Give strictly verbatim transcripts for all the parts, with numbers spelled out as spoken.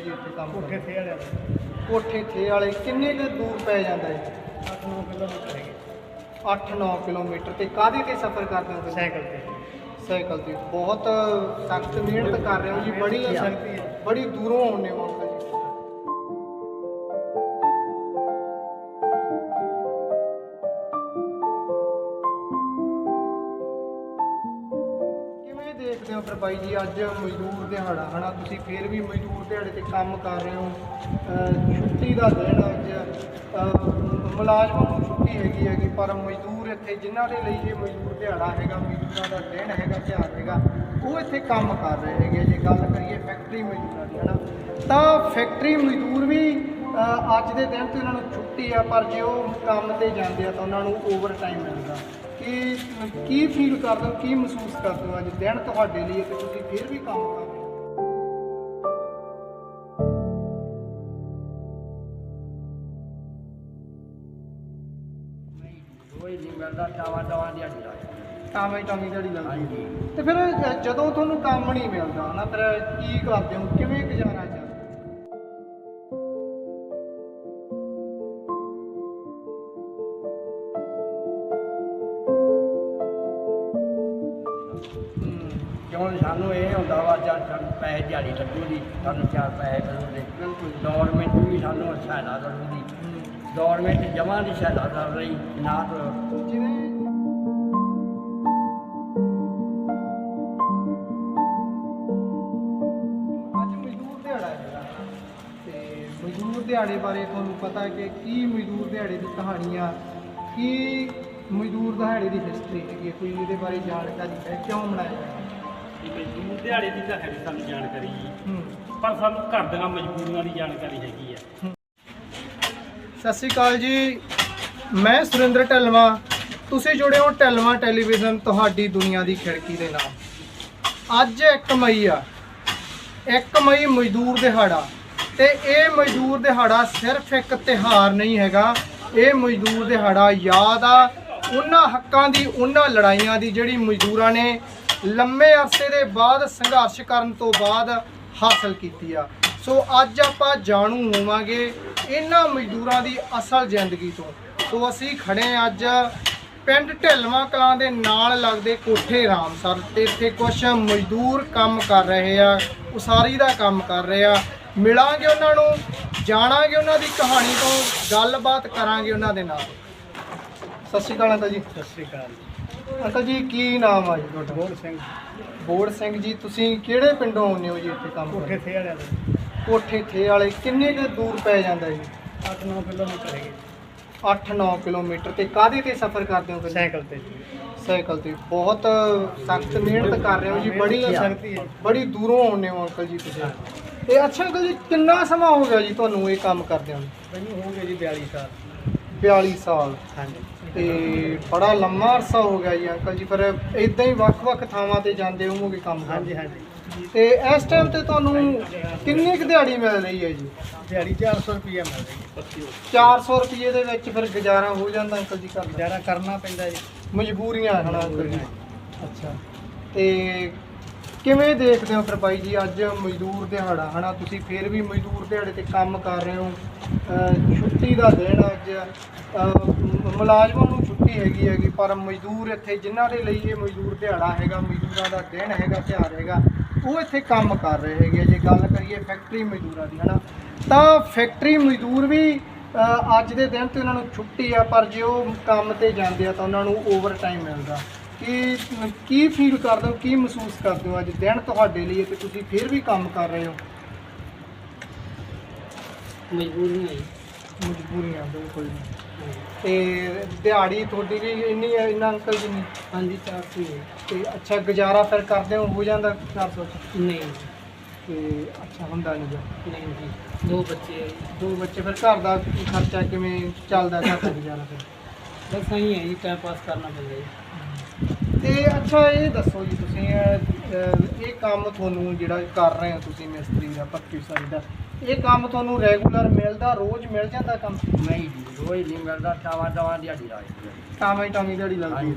जी इत्थे काम कोठे थे वाले कोठे थे वाले किन्ने कुछ दूर पै जाता है? अठ नौ किलोमीटर है अठ नौ किलोमीटर ते काहदे ते सफ़र करते हो? साइकिल पे साइकिल ते बहुत सख्त मेहनत कर रहे हो जी, बड़ी सख्ती है। बड़ी दूरों आने हो अंकल जी। ਕਿਵੇਂ ਦੇਖਦੇ ਹੋ ਫਿਰ ਬਾਈ ਜੀ ਅੱਜ ਮਜ਼ਦੂਰ ਦਿਹਾੜਾ ਹਨਾ, ਤੁਸੀਂ ਫਿਰ ਵੀ ਮਜ਼ਦੂਰ ਦਿਹਾੜੇ ਤੇ ਕੰਮ ਕਰ ਰਹੇ ਹੋ, ਅਹ ਛੁੱਟੀ ਦਾ ਦਿਨ ਅੱਜ, ਅਹ ਮੁਲਾਜ਼ਮਾਂ ਨੂੰ ਛੁੱਟੀ ਹੈਗੀ ਹੈਗੀ ਪਰ ਮਜ਼ਦੂਰ ਇੱਥੇ ਜਿਨ੍ਹਾਂ ਦੇ ਲਈ ਇਹ ਮਜ਼ਦੂਰ ਦਿਹਾੜਾ ਹੈਗਾ, ਮਜ਼ਦੂਰਾਂ ਦਾ ਦਿਨ ਹੈਗਾ, ਤਿਉਹਾਰ ਹੈਗਾ, ਉਹ ਇੱਥੇ ਕੰਮ ਕਰ ਰਹੇ ਹੈਗੇ। ਜੇ ਗੱਲ ਕਰੀਏ ਫੈਕਟਰੀ ਮਜ਼ਦੂਰਾਂ ਦੀ ਹਨਾ, ਤਾਂ ਫੈਕਟਰੀ ਮਜ਼ਦੂਰ ਵੀ ਅਹ ਅੱਜ ਦੇ ਦਿਨ ਤੇ ਉਹਨਾਂ ਨੂੰ ਛੁੱਟੀ ਆ, ਪਰ ਜੇ ਉਹ ਕੰਮ ਤੇ ਜਾਂਦੇ ਆ ਤਾਂ ਉਹਨਾਂ ਨੂੰ ਓਵਰ ਟਾਈਮ ਮਿਲਦਾ। ਕੀ ਕੀ ਫੀਲ ਕਰਦੇ ਹੋ, ਕੀ ਮਹਿਸੂਸ ਕਰਦੇ ਹੋ ਅੱਜ ਦਿਨ ਤੁਹਾਡੇ ਲਈ ਤੇ ਤੁਸੀਂ ਫਿਰ ਵੀ ਕੰਮ ਕਰ ਰਹੇ ਹੋ? कोई नहीं मिलता टावा टावा दिहाड़ी ला ਟਾਵੇਂ ਟਾਵੇਂ ਦਿਹਾੜੀ ਲੱਗਦੀ ਹਾਂਜੀ। ਤੇ ਫਿਰ ਅ, ਜਦੋਂ ਤੁਹਾਨੂੰ ਕੰਮ ਨਹੀਂ ਮਿਲਦਾ ਨਾ ਫਿਰ ਕੀ ਕਰਦੇ ਹੋ, ਕਿਵੇਂ ਗੁਜ਼ਾਰਾ ਚੱਲਦਾ? ਹੂੰ, क्यों सानू ये होंदा वा चल सानू पैसे दिहाड़ी लगूगी सानू चार पैसे मिलूगे बिल्कुल। गौरमेंट भी सानू सहायता करूगी गौरमेंट जमा की सहायता कर रही ना तो ਜਿਵੇਂ ਅੱਜ ਮਜ਼ਦੂਰ ਦਿਹਾੜਾ ਹੈਗਾ ਤੇ ਮਜ਼ਦੂਰ ਦਿਹਾੜੇ ਬਾਰੇ ਤੁਹਾਨੂੰ ਪਤਾ ਕਿ ਕੀ ਮਜ਼ਦੂਰ ਦਿਹਾੜੇ ਦੀ ਕਹਾਣੀਆਂ, ਕੀ ਮਜ਼ਦੂਰ ਦਿਹਾੜੇ ਦੀ ਹਿਸਟਰੀ ਹੈਗੀ ਹੈ, ਕੋਈ ਇਹਦੇ ਬਾਰੇ ਜਾਣਕਾਰੀ ਹੈ, ਕਿਉਂ ਮਨਾਇਆ ਜਾਂਦਾ? ਮਜ਼ਦੂਰ ਦਿਹਾੜੇ ਦੀ ਤਾਂ ਹੈ ਸਾਨੂੰ ਜਾਣਕਾਰੀ ਜੀ, ਹੂੰ, ਪਰ ਸਾਨੂੰ ਘਰ ਦੀਆਂ ਮਜਬੂਰੀਆਂ ਦੀ ਜਾਣਕਾਰੀ ਹੈਗੀ ਆ। ਸਤਿ ਸ਼੍ਰੀ ਅਕਾਲ ਜੀ, ਮੈਂ ਸੁਰਿੰਦਰ ਢੱਲਵਾਂ, ਤੁਸੀਂ ਜੁੜੇ ਹੋ ਢੱਲਵਾਂ ਟੈਲੀਵਿਜ਼ਨ, ਤੁਹਾਡੀ ਦੁਨੀਆ ਦੀ ਖਿੜਕੀ ਦੇ ਨਾਲ। ਅੱਜ ਇੱਕ ਮਈ ਆ, ਇੱਕ ਮਈ ਮਜ਼ਦੂਰ ਦਿਹਾੜਾ, ਤੇ ਇਹ ਮਜ਼ਦੂਰ ਦਿਹਾੜਾ ਸਿਰਫ ਇੱਕ ਤਿਉਹਾਰ ਨਹੀਂ ਹੈਗਾ, ਇਹ ਮਜ਼ਦੂਰ ਦਿਹਾੜਾ ਯਾਦ ਆ ਉਹਨਾਂ ਹੱਕਾਂ ਦੀ, ਉਹਨਾਂ ਲੜਾਈਆਂ ਦੀ ਜਿਹੜੀ ਮਜ਼ਦੂਰਾਂ ਨੇ ਲੰਮੇ ਅਰਸੇ ਦੇ ਬਾਅਦ ਸੰਘਰਸ਼ ਕਰਨ ਤੋਂ ਬਾਅਦ ਹਾਸਲ ਕੀਤੀ ਆ। ਸੋ ਅੱਜ ਆਪਾਂ ਜਾਣੂ ਹੋਵਾਂਗੇ ਇਹਨਾਂ ਮਜ਼ਦੂਰਾਂ ਦੀ ਅਸਲ ਜ਼ਿੰਦਗੀ ਤੋਂ। ਸੋ ਅਸੀਂ ਖੜੇ ਹਾਂ ਅੱਜ ਪਿੰਡ ਢਿਲਵਾਂ ਕਲਾਂ ਦੇ ਨਾਲ ਲੱਗਦੇ ਕੋਠੇ ਰਾਮਸਰ ਤੇ ਇੱਥੇ ਕੁਝ ਮਜ਼ਦੂਰ ਕੰਮ ਕਰ ਰਹੇ ਆ, ਉਸਾਰੀ ਦਾ ਕੰਮ ਕਰ ਰਹੇ ਆ। ਮਿਲਾਂਗੇ ਉਹਨਾਂ ਨੂੰ, ਜਾਣਾਂਗੇ ਉਹਨਾਂ ਦੀ ਕਹਾਣੀ ਤੋਂ, ਗੱਲਬਾਤ ਕਰਾਂਗੇ ਉਹਨਾਂ ਦੇ ਨਾਲ। ਸਤਿ ਸ਼੍ਰੀ ਅਕਾਲ ਅੰਕਲ ਜੀ। सत श्रीकाल ਅੰਕਲ ਜੀ ਕੀ ਨਾਮ ਆ ਜੀ ਤੁਹਾਡਾ? बोल सिंह ਬੋੜ ਸਿੰਘ ਜੀ। ਤੁਸੀਂ ਕਿਹੜੇ ਪਿੰਡੋਂ ਆਉਂਦੇ ਹੋ ਜੀ ਇੱਥੇ ਕੰਮ कोठे ਕਰਨ? थे वाले ਕੋਠੇ ਥੇ ਵਾਲੇ ਕਿੰਨੇ ਕੁ ਦੂਰ ਪੈ ਜਾਂਦਾ ਜੀ? अठ नौ किलोमीटर है ਅੱਠ ਨੌ ਕਿਲੋਮੀਟਰ ਤੇ ਕਾਹਦੇ ਤੇ ਸਫ਼ਰ ਕਰਦੇ ਹੋ ਫਿਰ? साइकिल पे ਸਾਈਕਲ ਤੇ। ਬਹੁਤ ਸਖਤ ਮਿਹਨਤ ਕਰ ਰਹੇ ਹੋ ਜੀ, ਬੜੀ सख्ती है ਬੜੀ ਦੂਰੋਂ ਆਉਂਦੇ ਹੋ ਅੰਕਲ ਜੀ ਤੁਸੀਂ। ਤੇ ਅੱਛਾ ਅੰਕਲ ਜੀ, ਕਿੰਨਾ ਸਮਾਂ ਹੋ ਗਿਆ ਜੀ ਤੁਹਾਨੂੰ ਇਹ ਕੰਮ ਕਰਦਿਆਂ ਨੂੰ? मैनू हो गए जी बयाली साल ਬਿਆਲੀ ਸਾਲ। हाँ जी ਤੇ ਬੜਾ ਲੰਮਾ ਅਰਸਾ ਹੋ ਗਿਆ ਜੀ ਅੰਕਲ ਜੀ। ਫਿਰ ਇਦਾਂ ਹੀ ਵੱਖ-ਵੱਖ ਥਾਵਾਂ ਤੇ ਜਾਂਦੇ ਹੋਵੋਗੇ ਕੰਮ हाँ जी ਕਰਨ? हाँ जी ਤੇ ਇਸ ਟਾਈਮ ਤੇ ਤੁਹਾਨੂੰ ਕਿੰਨੀ ਕੁ ਦਿਹਾੜੀ ਮਿਲ ਰਹੀ ਹੈ ਜੀ? दिहाड़ी चार सौ रुपया मिल रही है ਚਾਰ ਸੌ ਰੁਪਏ ਦੇ ਵਿੱਚ ਫਿਰ ਗੁਜ਼ਾਰਾ ਹੋ ਜਾਂਦਾ ਅੰਕਲ ਜੀ ਘਰ ਦਾ? गुजारा करना पैंदा जी ਮਜਬੂਰੀਆਂ ਹਨ ਅੰਕਲ ਜੀ। ਅੱਛਾ, ਤੇ ਕਿਵੇਂ ਦੇਖਦੇ ਹੋ ਫਿਰ ਬਾਈ ਜੀ ਅੱਜ ਮਜ਼ਦੂਰ ਦਿਹਾੜਾ ਹਨਾ, ਤੁਸੀਂ ਫਿਰ ਵੀ ਮਜ਼ਦੂਰ ਦਿਹਾੜੇ ਤੇ ਕੰਮ ਕਰ ਰਹੇ ਹੋ, ਅਹ ਛੁੱਟੀ ਦਾ ਦਿਨ ਅੱਜ, ਅਹ ਮੁਲਾਜ਼ਮਾਂ ਨੂੰ ਛੁੱਟੀ ਹੈਗੀ ਹੈਗੀ ਪਰ ਮਜ਼ਦੂਰ ਇੱਥੇ ਜਿਨ੍ਹਾਂ ਦੇ ਲਈ ਇਹ ਮਜ਼ਦੂਰ ਦਿਹਾੜਾ ਹੈਗਾ, ਮਜ਼ਦੂਰਾਂ ਦਾ ਦਿਨ ਹੈਗਾ, ਤਿਉਹਾਰ ਹੈਗਾ, ਉਹ ਇੱਥੇ ਕੰਮ ਕਰ ਰਹੇ ਹੈਗੇ। ਜੇ ਗੱਲ ਕਰੀਏ ਫੈਕਟਰੀ ਮਜ਼ਦੂਰਾਂ ਦੀ ਹਨਾ, ਤਾਂ ਫੈਕਟਰੀ ਮਜ਼ਦੂਰ ਵੀ ਅਹ ਅੱਜ ਦੇ ਦਿਨ ਤੇ ਉਹਨਾਂ ਨੂੰ ਛੁੱਟੀ ਆ, ਪਰ ਜੇ ਉਹ ਕੰਮ ਤੇ ਜਾਂਦੇ ਆ ਤਾਂ ਉਹਨਾਂ ਨੂੰ ਓਵਰ ਟਾਈਮ ਮਿਲਦਾ। ਕੀ ਕੀ ਫੀਲ ਕਰਦੇ ਹੋ, ਕੀ ਮਹਿਸੂਸ ਕਰਦੇ ਹੋ ਅੱਜ ਦਿਨ ਤੁਹਾਡੇ ਲਈ ਤੇ ਤੁਸੀਂ ਫਿਰ ਵੀ ਕੰਮ ਕਰ ਰਹੇ ਹੋ? ਮਜਬੂਰੀਆਂ ਜੀ। ਮਜਬੂਰੀਆਂ ਬਿਲਕੁਲ। ਤੇ ਦਿਹਾੜੀ ਤੁਹਾਡੀ ਵੀ ਇੰਨੀ ਹੈ ਇੰਨਾ ਅੰਕਲ ਜੀ ਨਹੀਂ? ਹਾਂਜੀ ਚਾਰ ਸੌ ਹੀ ਹੈ। ਤੇ ਅੱਛਾ ਗੁਜ਼ਾਰਾ ਫਿਰ ਕਰਦੇ ਹੋ ਹੋ ਜਾਂਦਾ ਚਾਰ ਸੌ 'ਚ? ਨਹੀਂ ਤੇ ਅੱਛਾ ਹੁੰਦਾ ਨਹੀਂ ਗਾ। ਨਹੀਂ ਜੀ, ਦੋ ਬੱਚੇ ਹੈ ਜੀ। ਦੋ ਬੱਚੇ, ਫਿਰ ਘਰ ਦਾ ਖਰਚਾ ਕਿਵੇਂ ਚੱਲਦਾ, ਘਰ ਦਾ ਗੁਜ਼ਾਰਾ ਫਿਰ? ਬਸ ਆਈ ਹੈ ਜੀ, ਟਾਈਮ ਪਾਸ ਕਰਨਾ ਪੈਂਦਾ ਜੀ। ਤੇ ਅੱਛਾ ਇਹ ਦੱਸੋ ਜੀ, ਤੁਸੀਂ ਅਹ, ਅਹ, ਇਹ ਕੰਮ ਤੁਹਾਨੂੰ ਜਿਹੜਾ ਕਰ ਰਹੇ ਹੋ ਤੁਸੀਂ ਮਿਸਤਰੀ ਦਾ, ਪੱਕੀ ਉਸਾਰੀ ਦਾ, ਇਹ ਕੰਮ ਤੁਹਾਨੂੰ ਰੈਗੂਲਰ ਮਿਲਦਾ, ਰੋਜ਼ ਮਿਲ ਜਾਂਦਾ ਕੰਮ? नहीं जी रोज नहीं मिलता टावा टावा दिहाड़ी ला ਟਾਵੇਂ ਟਾਵੇਂ ਦਿਹਾੜੀ हाँ ਲੱਗਦੀ? जी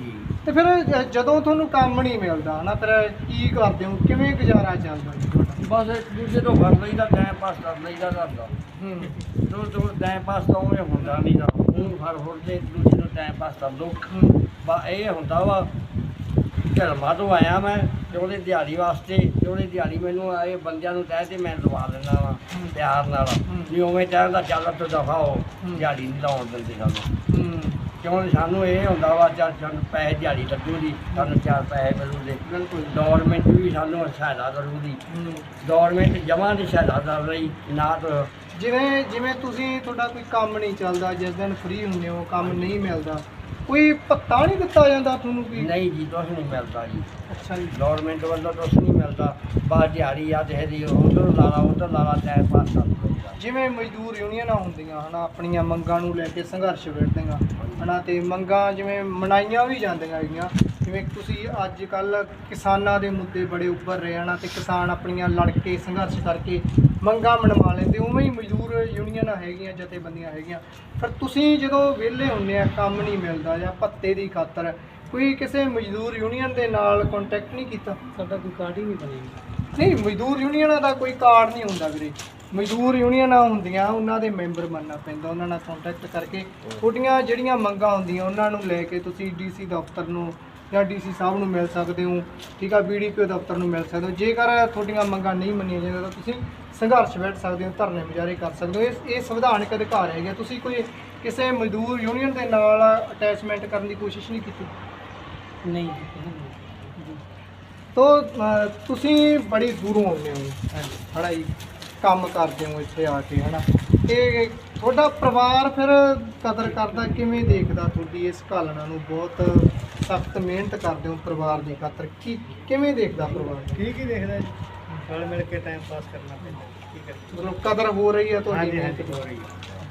ਤੇ ਫਿਰ ਜ- ਜਦੋਂ ਤੁਹਾਨੂੰ ਕੰਮ ਨਹੀਂ ਮਿਲਦਾ ਹਨਾ ਫਿਰ ਕੀ ਕਰਦੇ ਹੋ, ਕਿਵੇਂ ਗੁਜ਼ਾਰਾ ਚੱਲਦਾ ਜੀ ਤੁਹਾਡਾ? ਬਸ ਇੱਕ ਦੂਜੇ ਤੋਂ ਫੜ ਲਈਦਾ, ਟਾਈਮ ਪਾਸ ਕਰ ਲਈਦਾ ਘਰ ਦਾ। ਹੂੰ ਦੋ ਦੋ ਟਾਈਮ ਪਾਸ ਤਾਂ ਉਵੇਂ ਹੁੰਦਾ ਨਹੀਂ ਦਾ, ਹੁਣ ਫੜ ਫੜ ਕੇ ਇੱਕ ਦੂਜੇ ਨੂੰ ਟਾਈਮ ਪਾਸ ਕਰ ਲਓ। ਹੂੰ ਬਾ ਇਹ ਹੁੰਦਾ ਵਾ ਢਲਮਾ ਤੋਂ ਆਇਆ ਮੈਂ ਤੇ ਉਹਦੇ ਦਿਹਾੜੀ ਵਾਸਤੇ, ਤੇ ਉਹਦੀ ਦਿਹਾੜੀ ਮੈਨੂੰ ਇਹ ਬੰਦਿਆਂ ਨੂੰ ਕਹਿ ਤੇ ਮੈਂ ਲਵਾ ਦਿੰਦਾ ਵਾ ਹੂੰ। ਪਿਆਰ ਨਾਲ। ਹੂੰ। ਵੀ ਉਵੇਂ ਕਹਿੰਦਾ ਚੱਲ ਤੋਂ ਦਫਾ ਹੋ, ਹੂੰ। ਦਿਹਾੜੀ ਨਹੀਂ ਲਾਉਣ ਦਿੰਦੇ ਸਾਨੂੰ। ਹੂੰ ਕਿਉਂ ਸਾਨੂੰ ਇਹ ਹੁੰਦਾ ਵਾ ਚੱਲ ਸਾਨੂੰ ਪੈਸੇ ਦਿਹਾੜੀ ਲੱਗੂਗੀ, ਸਾਨੂੰ ਚਾਰ ਪੈਸੇ ਮਿਲੂਗੇ। ਬਿਲਕੁਲ। ਗੌਰਮੈਂਟ ਵੀ ਸਾਨੂੰ ਸਹਾਇਤਾ ਕਰੂਗੀ, ਹੂੰ ਗੌਰਮੈਂਟ ਜਮਾਂ ਦੀ ਸਹਾਇਤਾ ਕਰ ਰਹੀ ਨਾ ਤਾਂ ਜਿਵੇਂ ਜਿਵੇਂ ਤੁਸੀਂ ਤੁਹਾਡਾ ਕੋਈ ਕੰਮ ਨਹੀਂ ਚੱਲਦਾ, ਜਿਸ ਦਿਨ ਫ੍ਰੀ ਹੁੰਦੇ ਹੋ ਕੰਮ ਨਹੀਂ ਮਿਲਦਾ, ਕੋਈ ਭੱਤਾ ਨਹੀਂ ਦਿੱਤਾ ਜਾਂਦਾ ਤੁਹਾਨੂੰ ਕੋਈ? ਨਹੀਂ ਜੀ, ਕੁਛ ਨਹੀਂ ਮਿਲਦਾ ਜੀ। ਅੱਛਾ ਜੀ। ਗੌਰਮੈਂਟ ਵੱਲੋਂ ਕੁਛ ਨਹੀਂ ਮਿਲਦਾ, ਬਾਹਰ ਦਿਹਾੜੀ ਆ ਤੇ ਇਹਦੀ ਉਧਰ ਲਾਲਾ ਉਧਰ ਲਾਲਾ ਟਾਈਮ ਪਾਸ ਕਰ ਲਈਦਾ। ਜਿਵੇਂ ਮਜ਼ਦੂਰ ਯੂਨੀਅਨਾਂ ਹੁੰਦੀਆਂ ਹਨਾ ਆਪਣੀਆਂ ਮੰਗਾਂ ਨੂੰ ਲੈ ਕੇ ਸੰਘਰਸ਼ ਵਿੱਢਦੀਆਂ ਹਨਾ, ਤੇ ਮੰਗਾਂ ਜਿਵੇਂ ਮਨਾਈਆਂ ਵੀ ਜਾਂਦੀਆਂ ਹੈਗੀਆਂ, ਜਿਵੇਂ ਤੁਸੀਂ ਅੱਜ ਕੱਲ੍ਹ ਕਿਸਾਨਾਂ ਦੇ ਮੁੱਦੇ ਬੜੇ ਉੱਭਰ ਰਹੇ ਹਨ ਤੇ ਕਿਸਾਨ ਆਪਣੀਆਂ ਲੜ ਕੇ ਸੰਘਰਸ਼ ਕਰਕੇ ਮੰਗਾਂ ਮਨਵਾ ਲੈਂਦੇ, ਉਵੇਂ ਹੀ ਮਜ਼ਦੂਰ ਯੂਨੀਅਨਾਂ ਹੈਗੀਆਂ, ਜਥੇਬੰਦੀਆਂ ਹੈਗੀਆਂ। ਫਿਰ ਤੁਸੀਂ ਜਦੋਂ ਵਿਹਲੇ ਹੁੰਦੇ ਆ, ਕੰਮ ਨਹੀਂ ਮਿਲਦਾ ਜਾਂ ਭੱਤੇ ਦੀ ਖਾਤਰ, ਕੋਈ ਕਿਸੇ ਮਜ਼ਦੂਰ ਯੂਨੀਅਨ ਦੇ ਨਾਲ ਕੰਟੈਕਟ ਨਹੀਂ ਕੀਤਾ? ਸਾਡਾ ਕੋਈ ਕਾਰਡ ਹੀ ਨਹੀਂ ਬਣੇਗਾ। ਨਹੀਂ, ਮਜ਼ਦੂਰ ਯੂਨੀਅਨਾਂ ਦਾ ਕੋਈ ਕਾਰਡ ਨਹੀਂ ਹੁੰਦਾ ਵੀਰੇ। ਮਜ਼ਦੂਰ ਯੂਨੀਅਨਾਂ ਹੁੰਦੀਆਂ, ਉਹਨਾਂ ਦੇ ਮੈਂਬਰ ਬਣਨਾ ਪੈਂਦਾ, ਉਹਨਾਂ ਨਾਲ ਕੰਟੈਕਟ ਕਰਕੇ ਤੁਹਾਡੀਆਂ ਜਿਹੜੀਆਂ ਮੰਗਾਂ ਹੁੰਦੀਆਂ ਉਹਨਾਂ ਨੂੰ ਲੈ ਕੇ ਤੁਸੀਂ ਡੀਸੀ ਦਫ਼ਤਰ ਨੂੰ ਜਾਂ ਡੀਸੀ ਸਾਹਿਬ ਨੂੰ ਮਿਲ ਸਕਦੇ ਹੋ, ਠੀਕ ਆ, ਬੀਡੀਪੀਓ ਦਫ਼ਤਰ ਨੂੰ ਮਿਲ ਸਕਦੇ ਹੋ। ਜੇਕਰ ਤੁਹਾਡੀਆਂ ਮੰਗਾਂ ਨਹੀਂ ਮੰਨੀਆਂ ਜਾਂਦੀਆਂ ਤਾਂ ਤੁਸੀਂ ਸੰਘਰਸ਼ ਵਿੱਢ ਸਕਦੇ ਹੋ, ਧਰਨੇ ਮੁਜ਼ਾਹਰੇ ਕਰ ਸਕਦੇ ਹੋ। ਇਹ ਇਹ ਸੰਵਿਧਾਨਕ ਅਧਿਕਾਰ ਹੈਗੇ। ਤੁਸੀਂ ਕੋਈ ਕਿਸੇ ਮਜ਼ਦੂਰ ਯੂਨੀਅਨ ਦੇ ਨਾਲ ਅਟੈਚਮੈਂਟ ਕਰਨ ਦੀ ਕੋਸ਼ਿਸ਼ ਨਹੀਂ ਕੀਤੀ? ਨਹੀਂ ਤੋ ਅ, ਤੁਸੀਂ ਬੜੀ ਦੂਰੋਂ ਆਉਂਦੇ ਹੋ ਹਨਾ ਜੀ, ਕੰਮ ਕਰਦੇ ਹੋ ਇੱਥੇ ਆ ਕੇ ਹਨਾ, ਤੇ ਤੁਹਾਡਾ ਪਰਿਵਾਰ ਫਿਰ ਕਦਰ ਕਰਦਾ, ਕਿਵੇਂ ਦੇਖਦਾ ਤੁਹਾਡੀ ਇਸ ਘਾਲਣਾ ਨੂੰ? ਬਹੁਤ ਸਖਤ ਮਿਹਨਤ ਕਰਦੇ ਹੋ ਪਰਿਵਾਰ ਦੀ ਖਾਤਰ, ਕੀ ਕਿਵੇਂ ਦੇਖਦਾ ਪਰਿਵਾਰ? ਠੀਕ ਹੀ ਦੇਖਦਾ ਜੀ, ਨਾਲ ਮਿਲ ਕੇ ਟਾਈਮ ਪਾਸ ਕਰਨਾ ਪੈਂਦਾ। ਕੀ ਕਰੀਏ, ਮਤਲਬ ਕਦਰ ਹੋ ਰਹੀ ਹੈ ਤੁਹਾਡੀ ਹਾਂਜੀ ਮਿਹਨਤ ਹਾਂਜੀ ਦੀ? ਹੋ ਰਹੀ ਹੈ।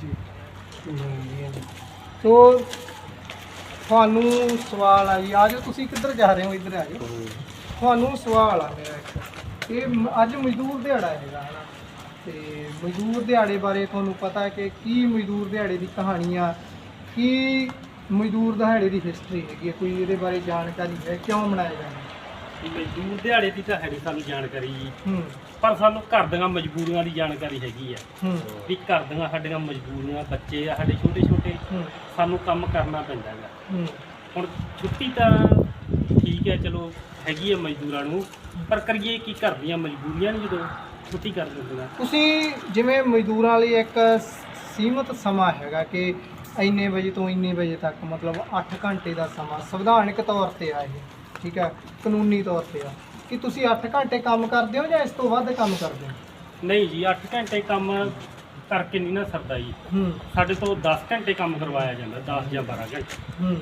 ਜੀ ਸੋ ਤੁਹਾਨੂੰ ਸਵਾਲ ਆ ਜੀ, ਆ ਜਾਓ, ਤੁਸੀਂ ਕਿੱਧਰ ਜਾ ਰਹੇ ਹੋ? ਇੱਧਰ ਆ ਜਾਓ। ਤੁਹਾਨੂੰ ਸਵਾਲ ਆ ਮੇਰਾ ਇੱਕ, ਇਹ ਮ- ਅੱਜ ਮਜ਼ਦੂਰ ਦਿਹਾੜਾ ਹੈਗਾ ਹਨਾ, ਤੇ ਮਜ਼ਦੂਰ ਦਿਹਾੜੇ ਬਾਰੇ ਤੁਹਾਨੂੰ ਪਤਾ ਕਿ ਕੀ ਮਜ਼ਦੂਰ ਦਿਹਾੜੇ ਦੀ ਕਹਾਣੀ ਆ, ਕੀ ਮਜ਼ਦੂਰ ਦਿਹਾੜੇ ਦੀ ਹਿਸਟਰੀ ਹੈਗੀ ਹੈ, ਕੋਈ ਇਹਦੇ ਬਾਰੇ ਜਾਣਕਾਰੀ ਹੈ, ਕਿਉਂ ਮਨਾਇਆ ਜਾਂਦਾ? ਮਜ਼ਦੂਰ ਦਿਹਾੜੇ ਦੀ ਤਾਂ ਹੈਗੀ ਸਾਨੂੰ ਜਾਣਕਾਰੀ ਜੀ, ਹੂੰ ਪਰ ਸਾਨੂੰ ਘਰ ਦੀਆਂ ਮਜਬੂਰੀਆਂ ਦੀ ਜਾਣਕਾਰੀ ਹੈਗੀ ਆ ਹੂੰ ਵੀ ਘਰ ਦੀਆਂ ਸਾਡੀਆਂ ਮਜਬੂਰੀਆਂ, ਬੱਚੇ ਆ ਸਾਡੇ ਛੋਟੇ ਛੋਟੇ, ਹੂੰ ਸਾਨੂੰ ਕੰਮ ਕਰਨਾ ਪੈਂਦਾ ਹੈਗਾ। ਹੂੰ ਹੁਣ ਛੁੱਟੀ ਤਾਂ ਠੀਕ ਹੈ, ਚਲੋ ਹੈਗੀ ਹੈ ਮਜ਼ਦੂਰਾਂ ਨੂੰ, ਪਰ ਕਰੀਏ ਕੀ? ਘਰ ਦੀਆਂ ਮਜਬੂਰੀਆਂ ਨੇ ਜਦੋਂ ਛੁੱਟੀ ਕਰ ਦਿੰਦੀਆਂ। ਤੁਸੀਂ ਜਿਵੇਂ ਮਜ਼ਦੂਰਾਂ ਲਈ ਇੱਕ ਸੀਮਤ ਸਮਾਂ ਹੈਗਾ ਕਿ ਇੰਨੇ ਵਜੇ ਤੋਂ ਇੰਨੇ ਵਜੇ ਤੱਕ, ਮਤਲਬ ਅੱਠ ਘੰਟੇ ਦਾ ਸਮਾਂ ਸੰਵਿਧਾਨਕ ਤੌਰ ਤੇ ਆ ਇਹ, ਠੀਕ ਹੈ, ਕਾਨੂੰਨੀ ਤੌਰ ਤੇ ਆ, ਕਿ ਤੁਸੀਂ ਅੱਠ ਘੰਟੇ ਕੰਮ ਕਰਦੇ ਹੋ ਜਾਂ ਇਸ ਤੋਂ ਵੱਧ ਕੰਮ ਕਰਦੇ ਹੋ? ਨਹੀਂ ਜੀ, ਅੱਠ ਘੰਟੇ ਕੰਮ ਕਰਕੇ ਨਹੀਂ ਨਾ ਸਰਦਾ ਜੀ, ਹੂੰ ਸਾਡੇ ਤੋਂ ਦਸ ਘੰਟੇ ਕੰਮ ਕਰਵਾਇਆ ਜਾਂਦਾ, ਦਸ ਜਾਂ ਬਾਰਾਂ ਘੰਟੇ। ਹੂੰ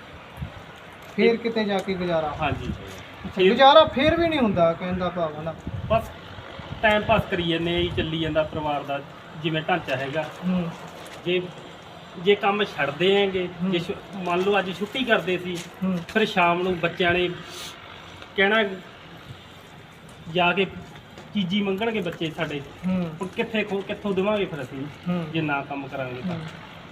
ਫਿਰ ਕਿਤੇ ਜਾ ਕੇ ਗੁਜ਼ਾਰਾ? ਹਾਂਜੀ, ਅੱਛਾ, ਗੁਜ਼ਾਰਾ ਫਿਰ ਵੀ ਨਹੀਂ ਹੁੰਦਾ, ਕਹਿੰਦਾ ਭਾਵ ਨਾ। ਬਸ ਟਾਈਮ ਪਾਸ ਕਰੀ ਜਾਂਦੇ ਹਾਂ ਜੀ, ਚੱਲੀ ਜਾਂਦਾ ਪਰਿਵਾਰ ਦਾ ਜਿਵੇਂ ਢਾਂਚਾ ਹੈਗਾ। ਹੂੰ ਜੇ ਜੇ ਕੰਮ ਛੱਡਦੇ ਆਂਗੇ, ਜੇ ਛੁ- ਮੰਨ ਲਓ ਅੱਜ ਛੁੱਟੀ ਕਰਦੇ ਸੀ, ਹੂੰ ਫਿਰ ਸ਼ਾਮ ਨੂੰ ਬੱਚਿਆਂ ਨੇ ਕਹਿਣਾ, ਜਾ ਕੇ ਚੀਜ਼ੀ ਮੰਗਣਗੇ ਬੱਚੇ ਸਾਡੇ, ਹੂੰ ਹੁਣ ਕਿੱਥੇ ਖੋ ਕਿੱਥੋਂ ਦੇਵਾਂਗੇ ਫਿਰ ਅਸੀਂ ਹੂੰ ਜੇ ਨਾ ਕੰਮ ਕਰਾਂਗੇ ਤਾਂ।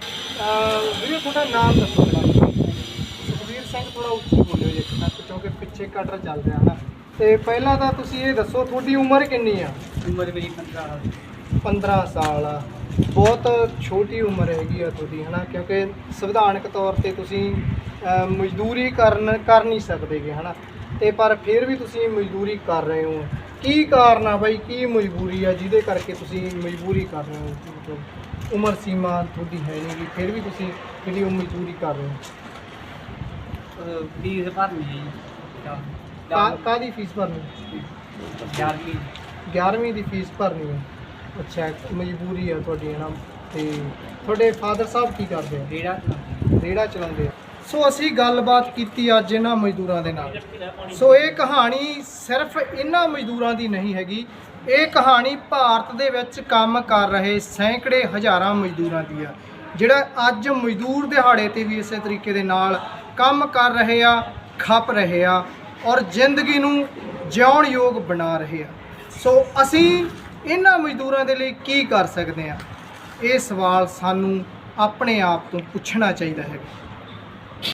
ਅਹ ਵੀਰੇ ਤੁਹਾਡਾ ਨਾਮ ਦੱਸੋ ਪਹਿਲਾਂ। ਸੁਖਬੀਰ ਸਿੰਘ, ਥੋੜਾ ਉੱਚੀ ਬੋਲਿਓ ਜੀ ਤੱਕ, ਕਿਉਂਕਿ ਪਿੱਛੇ ਕਟਰ ਚੱਲ ਰਿਹਾ ਨਾ। ਤੇ ਪਹਿਲਾਂ ਤਾਂ ਤੁਸੀਂ ਇਹ ਦੱਸੋ ਤੁਹਾਡੀ ਉਮਰ ਕਿੰਨੀ ਆ? ਉਮਰ ਮੇਰੀ ਪੰਦਰਾਂ ਪੰਦਰਾਂ ਸਾਲ ਆ, ਬਹੁਤ ਛੋਟੀ ਉਮਰ ਹੈਗੀ ਆ ਤੁਹਾਡੀ ਹਨਾ, ਕਿਉਂਕਿ ਸੰਵਿਧਾਨਕ ਤੌਰ ਤੇ ਤੁਸੀਂ ਅਹ, ਮਜ਼ਦੂਰੀ ਕਰਨ ਕਰ ਨਹੀਂ ਸਕਦੇਗੇ ਹਨਾ, ਤੇ ਪਰ ਫਿਰ ਵੀ ਤੁਸੀਂ ਮਜ਼ਦੂਰੀ ਕਰ ਰਹੇ ਹੋ। ਕੀ ਕਾਰਨ ਆ ਬਾਈ, ਕੀ ਮਜਬੂਰੀ ਆ ਜਿਹਦੇ ਕਰਕੇ ਤੁਸੀਂ ਮਜਬੂਰੀ ਕਰ ਰਹੇ ਹੋ? ਮਤਲਬ ਉਮਰ ਸੀਮਾ ਤੁਹਾਡੀ ਹੈ ਨਹੀਂ ਗੀ, ਫਿਰ ਵੀ ਤੁਸੀਂ ਜਿਹੜੀ ਉਹ ਮਜ਼ਦੂਰੀ ਕਰ ਰਹੇ ਹੋ? ਫੀਸ ਭਰਨੀ ਹੈ ਕਾ- ਕਾਹਦੀ ਫੀਸ ਭਰਨੀ? ਗਿਆਰਵੀਂ ਗਿਆਰਵੀਂ ਦੀ ਫੀਸ ਭਰਨੀ ਹੈ। ਅੱਛਾ, ਮਜਬੂਰੀ ਆ ਤੁਹਾਡੀ ਹੈ ਨਾ। ਤੇ ਤੁਹਾਡੇ ਫਾਦਰ ਸਾਹਿਬ ਕੀ ਕਰਦੇ ਆ? ਜਿਹੜਾ ਰੇਹੜਾ ਚਲਾਉਂਦੇ ਆ। ਸੋ ਅਸੀਂ ਗੱਲਬਾਤ ਕੀਤੀ ਅੱਜ ਇਹਨਾਂ ਮਜ਼ਦੂਰਾਂ ਦੇ ਨਾਲ। ਸੋ ਇਹ ਕਹਾਣੀ ਸਿਰਫ ਇਹਨਾਂ ਮਜ਼ਦੂਰਾਂ ਦੀ ਨਹੀਂ ਹੈਗੀ, ਇਹ ਕਹਾਣੀ ਭਾਰਤ ਦੇ ਵਿੱਚ ਕੰਮ ਕਰ ਰਹੇ ਸੈਂਕੜੇ ਹਜ਼ਾਰਾਂ ਮਜ਼ਦੂਰਾਂ ਦੀ ਆ, ਜਿਹੜਾ ਅੱਜ ਮਜ਼ਦੂਰ ਦਿਹਾੜੇ ਤੇ ਵੀ ਇਸੇ ਤਰੀਕੇ ਦੇ ਨਾਲ ਕੰਮ ਕਰ ਰਹੇ ਆ, ਖੱਪ ਰਹੇ ਆ ਔਰ ਜ਼ਿੰਦਗੀ ਨੂੰ ਜਿਉਣ ਯੋਗ ਬਣਾ ਰਹੇ ਆ। ਸੋ ਅਸੀਂ ਇਹਨਾਂ ਮਜ਼ਦੂਰਾਂ ਦੇ ਲਈ ਕੀ ਕਰ ਸਕਦੇ ਆ? ਇਹ ਸਵਾਲ ਸਾਨੂੰ ਆਪਣੇ ਆਪ ਤੋਂ ਪੁੱਛਣਾ ਚਾਹੀਦਾ ਹੈ।